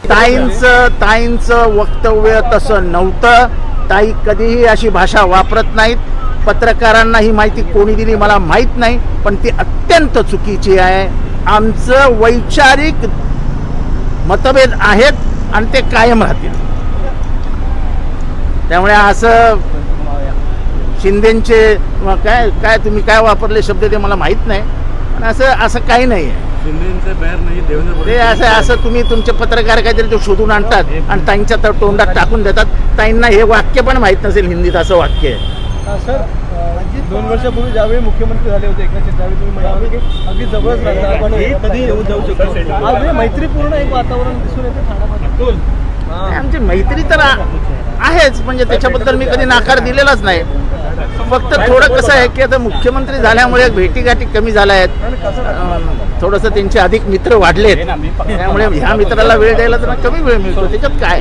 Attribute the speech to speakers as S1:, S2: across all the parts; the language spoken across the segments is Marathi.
S1: ताईंचं वक्तव्य तसं नव्हतं. ताई कधीही अशी भाषा वापरत नाहीत. पत्रकारांना ही माहिती कोणी दिली मला माहीत नाही, पण ती अत्यंत चुकीची आहे. आमचं वैचारिक मतभेद आहेत आणि ते कायम राहतील. त्यामुळे असं शिंदेचे काय तुम्ही काय वापरले शब्द ते मला माहीत नाही, पण असं काही नाही आहे. ते असं तुम्ही तुमचे पत्रकार काहीतरी ते शोधून आणतात आणि ताईंच्या तोंडात टाकून देतात. ताईंना हे वाक्य पण माहीत नसेल हिंदीत असं वाक्य आहे.
S2: सर 2 वर्षापूर्वी ज्यावेळी मुख्यमंत्री झाले होते एकनाथ शिंदे, त्यावेळी तुम्ही म्हणाले की अगदी जवळच राहणार, आपण कधी येऊन जाऊ शकतो. आज मैत्रीपूर्ण एक वातावरण दिसून येते ठाण्यामध्ये.
S1: आमची मैत्री तर आहेच, म्हणजे त्याच्याबद्दल मी कधी नकार दिलेलाच नाही. फक्त थोडं कसं आहे की आता मुख्यमंत्री झाल्यामुळे भेटीगाठी कमी झाल्या आहेत. थोडंसं त्यांचे अधिक मित्र वाढलेत, त्यामुळे ह्या मित्राला वेळ द्यायला तर कमी वेळ मिळतो. त्याच्यात काय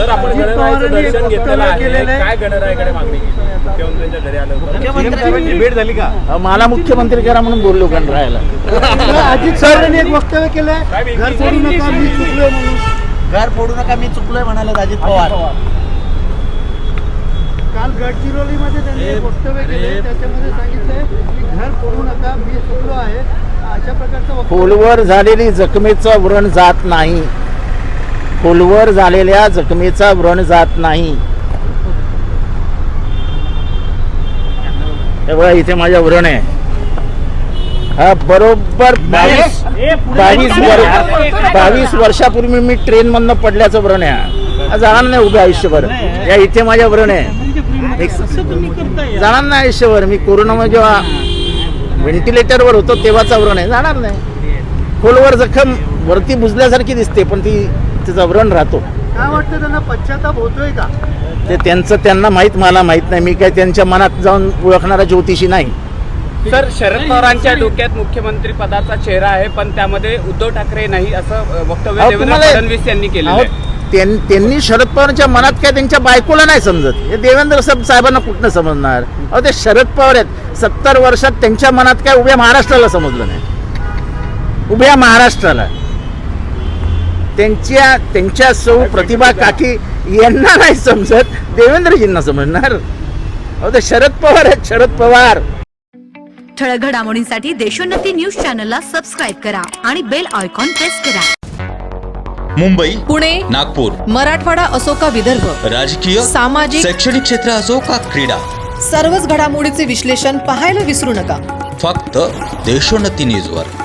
S2: भेट झाली का?
S1: मला मुख्यमंत्री करा म्हणून बोललो गणरायाला.
S2: अजित पवारांनी एक वक्तव्य केलंय, घर फोडू नका मी चुकलोय म्हणून.
S3: घर फोडू नका मी चुकलोय म्हणाले अजित पवार.
S2: काल गडचिरोलीमध्ये त्यांनी एक वक्तव्य केले, त्याच्यामध्ये सांगितलंय की घर फोडू नका मी चुकलो आहे, अशा प्रकारचं.
S1: खोलवर झालेली जखमेचा व्रण जात नाही. खोलवर झालेल्या जखमेचा व्रण जात नाही. हे बघा इथे माझ्या व्रण आहे. हा बरोबर 22 वर्षापूर्वी मी ट्रेन मधनं पडल्याचं व्रण आहे. जाणार नाही उभे आयुष्यभर. या इथे माझ्या व्रण आहे. जाणार नाही आयुष्यभर. मी कोरोनामध्ये जेव्हा व्हेंटिलेटरवर होतो तेव्हाचा व्रण आहे. जाणार नाही. खोलवर जखम वरती बुजल्यासारखी दिसते, पण तिचा व्रण राहतो.
S2: काय वाटतं त्यांना पश्चाताप होतोय का?
S1: ते त्यांना माहीत, मला माहीत नाही. मी काय त्यांच्या मनात जाऊन ओळखणारा ज्योतिषी नाही.
S4: सर, शरद पवारांच्या डोक्यात मुख्यमंत्री पदाचा चेहरा आहे, पण त्यामध्ये उद्धव ठाकरे नाही असं वक्तव्य देवेंद्र फडणवीस यांनी केलं आहे.
S1: त्यांनी शरद पवारांच्या मनात काय त्यांच्या बायकोला नाही समजत. हे देवेंद्र साहेबांना कुठनं समजणार? अहो ते शरद पवार आहेत. 70 वर्षात त्यांच्या मनात काय उभ्या महाराष्ट्राला समजलं नाही. उभ्या महाराष्ट्राला त्यांच्या सौ प्रतिभा काकी यांना नाही समजत, देवेंद्रजींना समजणार. अहो ते शरद पवार आहेत, शरद पवार.
S5: ठळक घडामोडींसाठी देशोन्नती न्यूज चॅनलला सबस्क्राईब करा आणि बेल आयकॉन प्रेस करा.
S6: मुंबई,
S7: पुणे,
S6: नागपूर,
S7: मराठवाडा असो का विदर्भ,
S6: राजकीय,
S7: सामाजिक,
S6: शैक्षणिक क्षेत्र असो का क्रीडा,
S7: सर्वच घडामोडीचे विश्लेषण पाहायला विसरू नका.
S6: फक्त देशोन्नती न्यूजवर.